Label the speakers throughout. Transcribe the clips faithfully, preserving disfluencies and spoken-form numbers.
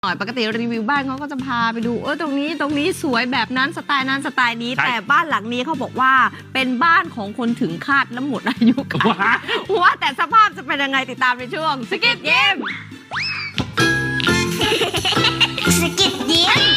Speaker 1: หน่อยปกติรีวิวบ้านเขาก็จะพาไปดูเออตรงนี้ตรงนี้สวยแบบนั้นสไตล์นั้นสไตล์นี้แต่บ้านหลังนี้เขาบอกว่าเป็นบ้านของคนถึงคาดและหมดอายุขัยว่าแต่สภาพจะเป็นยังไงติดตามในช่วงสกิดเยี่ยม
Speaker 2: สกิดยิ้ม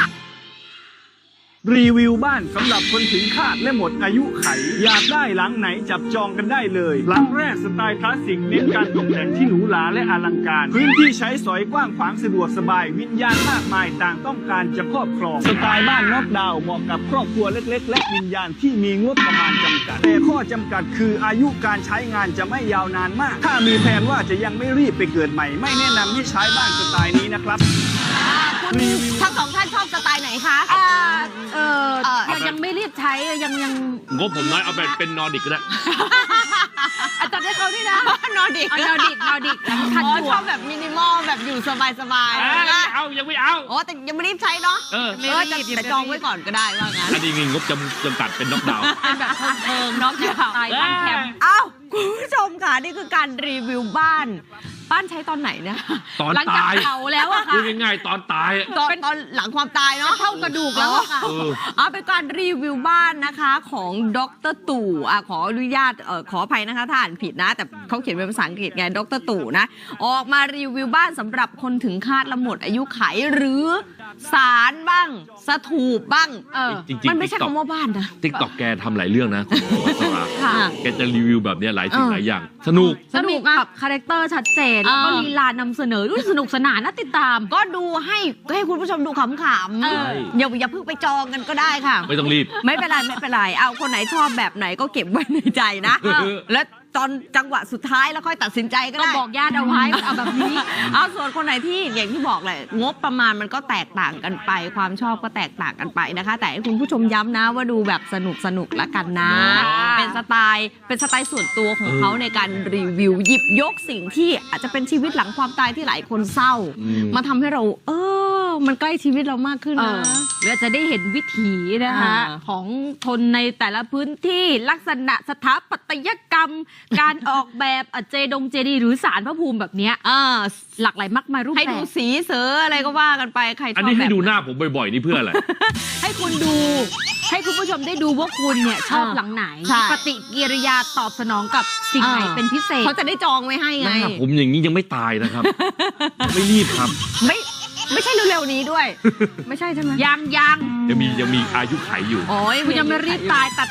Speaker 3: รีวิวบ้านสำหรับคนถึงคาดและหมดอายุไขอยากได้หลังไหนจับจองกันได้เลยหลังแรกสไตล์คลาสสิกเน้นการตกแต่งที่หรูหราและอลังการพื้นที่ใช้สอยกว้างขวางสะดวกสบายวิญญาณมากมายต่างต้องการจะครอบครองสไตล์บ้านน็อกดาวน์เหมาะกับครอบครัวเล็กๆและวิญญาณที่มีงบประมาณจำกัดแต่ข้อจำกัดคืออายุการใช้งานจะไม่ยาวนานมากถ้ามีแผนว่าจะยังไม่รีบไปเกิดใหม่ไม่แนะนำให้ใช้บ้านสไตล์นี้นะครับ
Speaker 1: ทั้งสองท่านชอบสไตล์ไหนคะ
Speaker 4: เออเออยังยังไม่รีบใช้ยังยัง
Speaker 5: งบผมน้อยเอาเป็นเป็นนอร์ดิกก็ได้
Speaker 4: อาจารย์ให้เขาด้วยนะ
Speaker 1: นอร์ดิก
Speaker 4: นอร์ดิกนอร์ดิก
Speaker 1: ขัดชอบแบบมินิมอลแบบอยู่สบายสบาย
Speaker 5: ไม่เอายังไม่เอา
Speaker 1: โอ้แต่ยังไม่รีบใช้เนาะเออแต่จองไว้ก่อนก็ได้ว่างั้น
Speaker 5: อันนี้งบจำจำกัดเป็นน็อกดาวน์
Speaker 4: เป็นแบบเพิงน็อกดาวน์ตายบ้านแคมป์
Speaker 1: เอ้าคุณผู้ชมค่ะนี่คือการรีวิวบ้านบ้านใช้ตอนไหนเนี่ย
Speaker 5: ตอนตาย
Speaker 4: เผาแล้วอะค่ะ
Speaker 5: พูดง่ายๆตอนตาย
Speaker 1: ตอนตอนหลังความตายเนาะ
Speaker 4: เท่ากระดูกแล้วอะค่ะ
Speaker 1: อ๋อเป็นการรีวิวบ้านนะคะของดรตู่อ่ะขออนุญาตเอ่อขออภัยนะคะถ้าอ่านผิดนะแต่เขาเขียนเป็นภาษาอังกฤษไงดรตู่นะออกมารีวิวบ้านสำหรับคนถึงคาดและหมดอายุไขหรือศาลบ้างสถูปบ้างเออมันไม่ใช่คำว่าบ้านนะ
Speaker 5: ติ๊กต็อกแกทำหลายเรื่องนะคุณวัชราแกจะรีวิวแบบนี้หลายสิ่งหลายอย่างสนุก
Speaker 4: สนุกกับคาแรคเตอร์ชัดเจนแล้วก็ลีลานำเสนอด้วยสนุกสนานน่าติดตาม
Speaker 1: ก็ดูให้ให้คุณผู้ชมดูขำๆอย่าอย่าเพิ่งไปจองกันก็ได้ค่ะ
Speaker 5: ไม่ต้องรีบ
Speaker 1: ไม่เป็นไรไม่เป็นไรเอาคนไหนชอบแบบไหนก็เก็บไว้ในใจนะแล้วตอนจังหวะสุดท้ายแล้วค่อยตัดสินใจก็ได้
Speaker 4: ก็บอกญาติเอาไว้เอาแบบนี้
Speaker 1: เอาส่วนคนไหนที่อย่างที่บอกแหละงบประมาณมันก็แตกต่างกันไปความชอบก็แตกต่างกันไปนะคะแต่ให้คุณผู้ชมย้ำนะว่าดูแบบสนุกสนุกละกันนะเป็นสไตล์เป็นสไตล์ส่วนตัวของเขาในการรีวิวหยิบยกสิ่งที่อาจจะเป็นชีวิตหลังความตายที่หลายคนเศร้ามาทำให้เราเออมันใกล้ชีวิตเรามากขึ้นนะ
Speaker 4: หรือจะได้เห็นวิถีนะคะของคนในแต่ละพื้นที่ลักษณะสถาปัตยกรรมการออกแบบเจดงเจดีหรือศาลพระภูมิแบบนี้หลากหลายมากมายรูปแบบ
Speaker 1: ให้ดูสีเสืออะไรก็ว่ากันไปใครชอบ
Speaker 5: อันนี้ให้ดูหน้าผมบ่อยๆนี่เพื่ออะไร
Speaker 4: ให้คุณดูให้คุณผู้ชมได้ดูว่าคุณเนี่ยชอบหลังไหนปฏิกิริยาตอบสนองกับสิ่งไหนเป็นพิเศษ
Speaker 1: เขาจะได้จองไว้ให้ไง
Speaker 5: ผมอย่างนี้ยังไม่ตายนะครับ ไม่รีบครับ
Speaker 1: ไม่ไม่ใช่เร็วๆนี้ด้วยไม่ใช่ใช่ไหม
Speaker 4: ยังยัง
Speaker 5: ยังมียังมีอายุไขอยู่
Speaker 4: โอ้ยคุณยังไม่รีบตายตัด